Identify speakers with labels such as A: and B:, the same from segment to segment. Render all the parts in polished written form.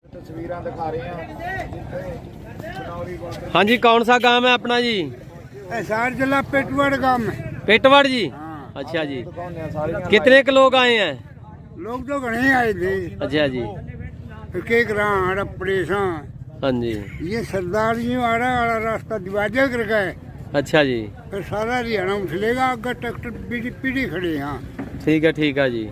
A: तस्वीरें दिखा रहे हैं।
B: हाँ जी, कौन सा गांव है अपना जी?
C: हिसार जिला पेटवड़ गांव में।
B: पेटवड़ जी। अच्छा जी, कितने के लोग आए हैं?
C: लोग तो घने आए थे।
B: अच्छा जी।
C: एक परेशान।
B: हाँ जी।
C: ये सरदार जी वाला रास्ता दिवाजा कर गए।
B: अच्छा जी।
C: फिर सारा हरियाणा उछलेगा, अगर ट्रैक्टर पीढ़ी खड़े हैं।
B: ठीक है जी।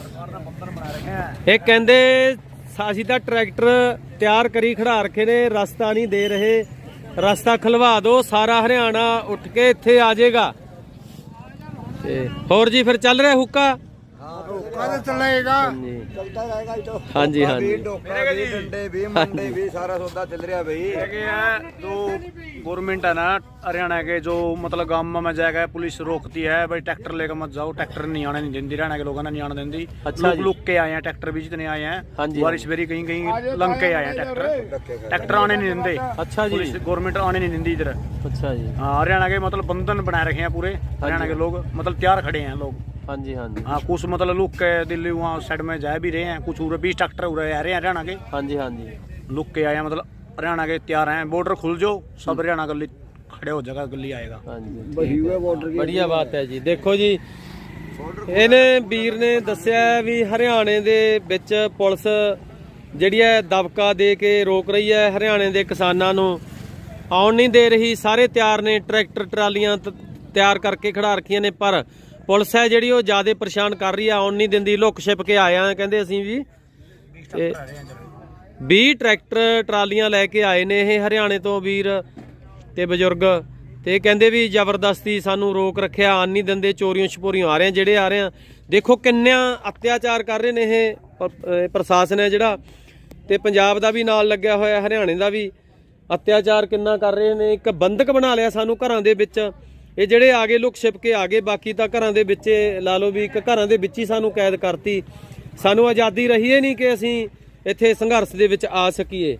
B: ਇਹ ਕਹਿੰਦੇ ਅਸੀਂ ਤਾਂ ਟਰੈਕਟਰ ਤਿਆਰ ਕਰੀ ਖੜਾ ਰੱਖੇ ਨੇ, ਰਸਤਾ ਨਹੀਂ ਦੇ ਰਹੇ, ਰਸਤਾ ਖਲਵਾ ਦਿਓ, ਸਾਰਾ ਹਰਿਆਣਾ ਉੱਠ ਕੇ ਇੱਥੇ ਆ ਜਾਏਗਾ। ਤੇ ਹੋਰ ਜੀ ਫਿਰ ਚੱਲ ਰਿਹਾ ਹੁੱਕਾ?
C: हुक्का तो चलेगा,
A: चलता रहेगा तो।
B: हाँ जी, हाँ जी।
A: डंडे भी मंडे भी सारा सौदा चल रहा भाई।
D: जो गवर्नमेंट है ना हरियाणा के, जो मतलब गांव में जाएगा पुलिस रोकती है भाई ट्रैक्टर लेकर मत जाओ, ट्रैक्टर नहीं आने नहीं देती, हरियाणा के लोगों ने नहीं आने देती।
B: अच्छा
D: लोग
B: जी।
D: लुक के आए हैं, ट्रैक्टर भी जितने आए हैं
B: हाँ जी,
D: बारिश बेरी कहीं कहीं लंग के आए हैं, ट्रैक्टर आने नहीं देते।
B: अच्छा जी।
D: पुलिस गवर्नमेंट आने नहीं देती इधर।
B: अच्छा जी।
D: हाँ, हरियाणा के मतलब बंधन बनाए रखे हैं पूरे हरियाणा के लोग, मतलब तैयार खड़े हैं लोग।
B: हाँ जी।
D: हाँ, कुछ मतलब लुक के दिल्ली वहाँ साइड में जा भी रहे हैं, कुछ उरे 20 ट्रैक्टर उरे आ रहे हैं हरियाणा के।
B: हाँ जी।
D: लुक के आए हैं, मतलब हरियाणा के तैयार हैं। बॉर्डर खुल जाओ, सब हरियाणा गली खड़े हो जाएगा, गली आएगा।
B: हाँ जी, बढ़िया बात है जी। देखो जी, ਇਹਨੇ ਵੀਰ ਨੇ ਦੱਸਿਆ ਵੀ ਹਰਿਆਣੇ ਦੇ ਵਿੱਚ ਪੁਲਿਸ ਜਿਹੜੀ ਹੈ ਦਬਕਾ ਦੇ ਕੇ ਰੋਕ ਰਹੀ ਹੈ, ਹਰਿਆਣੇ ਦੇ ਕਿਸਾਨਾਂ ਨੂੰ ਆਉਣ ਨਹੀਂ ਦੇ ਰਹੀ। ਸਾਰੇ ਤਿਆਰ ਨੇ, ਟਰੈਕਟਰ ਟਰਾਲੀਆਂ ਤਿਆਰ ਕਰਕੇ ਖੜਾ ਰੱਖੀਆਂ ਨੇ, ਪਰ ਪੁਲਿਸ ਹੈ ਜਿਹੜੀ ਉਹ ਜ਼ਿਆਦਾ ਪਰੇਸ਼ਾਨ ਕਰ ਰਹੀ ਆ, ਆਉਣ ਨਹੀਂ ਦਿੰਦੀ। ਲੁੱਕ ਛਿਪ ਕੇ ਆਇਆ ਕਹਿੰਦੇ ਅਸੀਂ ਵੀ। ਤੇ 20 ਟਰੈਕਟਰ ਟਰਾਲੀਆਂ ਲੈ ਕੇ ਆਏ ਨੇ ਇਹ ਹਰਿਆਣੇ ਤੋਂ ਵੀਰ ਤੇ ਬਜ਼ੁਰਗ, ਤੇ ਕਹਿੰਦੇ ਵੀ ਜ਼ਬਰਦਸਤੀ ਸਾਨੂੰ ਰੋਕ ਰੱਖਿਆ, ਆਣ ਨਹੀਂ ਦਿੰਦੇ, ਚੋਰੀਆਂ ਛਪੋਰੀਆਂ ਆ ਰਹੇ ਜਿਹੜੇ ਆ ਰਹੇ ਆ। ਦੇਖੋ ਕਿੰਨਾ ਅਤਿਆਚਾਰ ਕਰ ਰਹੇ ਨੇ ਇਹ ਪ੍ਰਸ਼ਾਸਨ ਹੈ ਜਿਹੜਾ, ਤੇ ਪੰਜਾਬ ਦਾ ਵੀ ਨਾਲ ਲੱਗਿਆ ਹੋਇਆ, ਹਰਿਆਣੇ ਦਾ ਵੀ ਅਤਿਆਚਾਰ ਕਿੰਨਾ ਕਰ ਰਹੇ ਨੇ। ਇੱਕ ਬੰਦਕ ਬਣਾ ਲਿਆ ਸਾਨੂੰ ਘਰਾਂ ਦੇ ਵਿੱਚ। ਇਹ ਜਿਹੜੇ ਆ ਗਏ ਲੁੱਕ ਛਿਪ ਕੇ ਆ ਗਏ, ਬਾਕੀ ਤਾਂ ਘਰਾਂ ਦੇ ਵਿੱਚ ਲਾ ਲਓ ਵੀ ਇੱਕ ਘਰਾਂ ਦੇ ਵਿੱਚ ਹੀ ਸਾਨੂੰ ਕੈਦ ਕਰਤੀ। ਸਾਨੂੰ ਆਜ਼ਾਦੀ ਰਹੀ ਹੈ ਨਹੀਂ ਕਿ ਅਸੀਂ ਇੱਥੇ ਸੰਘਰਸ਼ ਦੇ ਵਿੱਚ ਆ ਸਕੀਏ।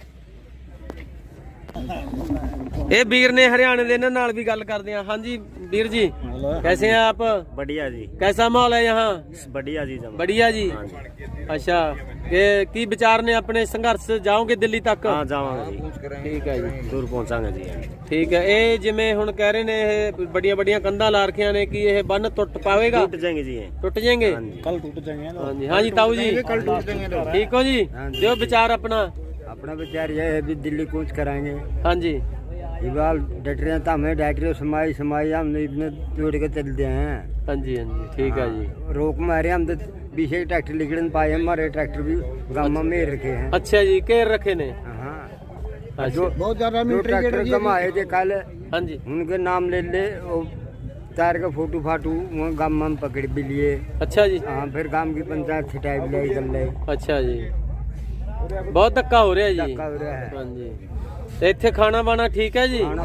B: ਇਹ ਵੀਰ ਨੇ ਹਰਿਆਣੇ ਦੇ, ਇਹਨਾਂ ਨਾਲ ਵੀ ਗੱਲ ਕਰਦੇ ਆ। ਹਾਂਜੀ ਵੀਰ ਜੀ, कैसे हैं आप?
D: बढ़िया जी।
B: कैसा माहौल है यहाँ?
D: बढ़िया जी।
B: बढ़िया जी। अच्छा, की विचार ने अपने संघर्ष जाओगे दिल्ली तक?
D: हाँ जावांगे जी।
B: ठीक है जी,
D: दूर पहुंचांगे जी।
B: ठीक है। ये जिमें हुण कह रहे ने बड़िया बड़िया कंधा ला रखिया ने कि ये बन टुट पावेगा?
D: टूट जाएंगे जी,
B: टुट जाएंगे
D: कल टूट जाएंगे।
B: हाँ जी। हाँ जी ताऊ जी, ठीक हो जी? जो विचार अपना
C: विचार यह है भी दिल्ली कूच कराएंगे।
B: हाँ जी।
C: डटरे तो हमें डटरे समाई हम इतने जोड़ के चलते हैं।
B: हाँ जी। ठीक है जी।
C: रोक मारे हम तो 20 ट्रैक्टर लिखने पाए, हमारे ट्रैक्टर भी गांव में रखे हैं।
B: अच्छा जी, केर रखे ने?
C: हाँ, जो बहुत ज्यादा ट्रैक्टर कम आए थे कल।
B: हाँ जी।
C: उनके नाम ले तार का फोटो फाटू गांव में पकड़ भी लिए।
B: अच्छा जी।
C: हाँ, फिर गांव की पंचायत छिटाई भी लाई कर लाई।
B: अच्छा जी, बहुत धक्का हो रहा है जी।
C: धक्का हो रहा है।
B: हाँ जी। ਤੇ ਇੱਥੇ ਖਾਣਾ ਬਾਣਾ ਠੀਕ ਹੈ ਜੀ?
D: दिल्ली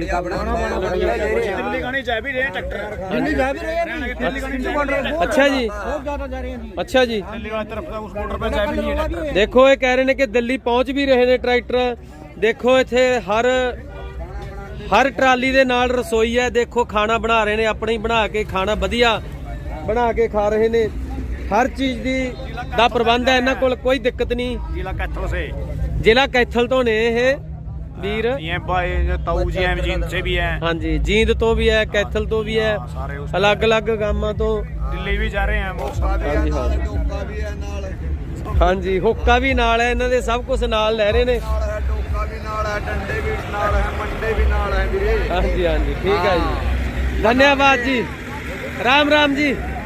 D: गाने जा भी रहे हैं ट्रैक्टर,
C: दिल्ली जा भी रहे हैं।
B: ਅੱਛਾ ਜੀ।
C: बहुत ज्यादा जा रहे हैं।
B: ਅੱਛਾ ਜੀ।
D: दिल्ली वाली तरफ उस बॉर्डर पे जा भी नहीं है ट्रैक्टर।
B: ਦੇਖੋ ਇਹ ਕਹਿ ਰਹੇ ਨੇ ਕਿ ਦਿੱਲੀ ਪਹੁੰਚ ਵੀ ਰਹੇ ਨੇ ਟਰੈਕਟਰ। ਦੇਖੋ ਇੱਥੇ ਹਰ ਟਰਾਲੀ ਦੇ ਨਾਲ ਰਸੋਈ ਹੈ। ਦੇਖੋ ਖਾਣਾ ਬਣਾ ਰਹੇ ਨੇ, ਆਪਣੇ ਹੀ ਬਣਾ ਕੇ ਖਾਣਾ ਵਧੀਆ ਬਣਾ ਕੇ ਖਾ ਰਹੇ ਨੇ। ਹਰ ਚੀਜ਼ ਦਾ ਪ੍ਰਬੰਧ ਹੈ ਇਹਨਾਂ ਕੋਲ, ਕੋਈ ਦਿੱਕਤ ਨਹੀਂ।
D: जिला कैथल से
B: ਜ਼ਿਲ੍ਹਾ ਕੈਥਲ ਤੋਂ ਨੇ ਇਹ ਵੀਰ।
D: ये भाई ताऊ जी हैं, जींद से भी हैं।
B: हाँ जी, जींद तो भी है, कैथल तो भी है,
D: सारे उस
B: अलग अलग गांव तो।
D: दिल्ली भी जा रहे हैं वो सब।
B: हाँ जी। हाँ जी, हुक्का भी नाल है, इन्होंने सब कुछ नाल ले रहे ने।
A: टोका भी नाल है, डंडे भी नाल है, मंडे भी नाल है वीरे।
B: हाँ जी। ठीक है जी, धन्यवाद जी, राम राम जी।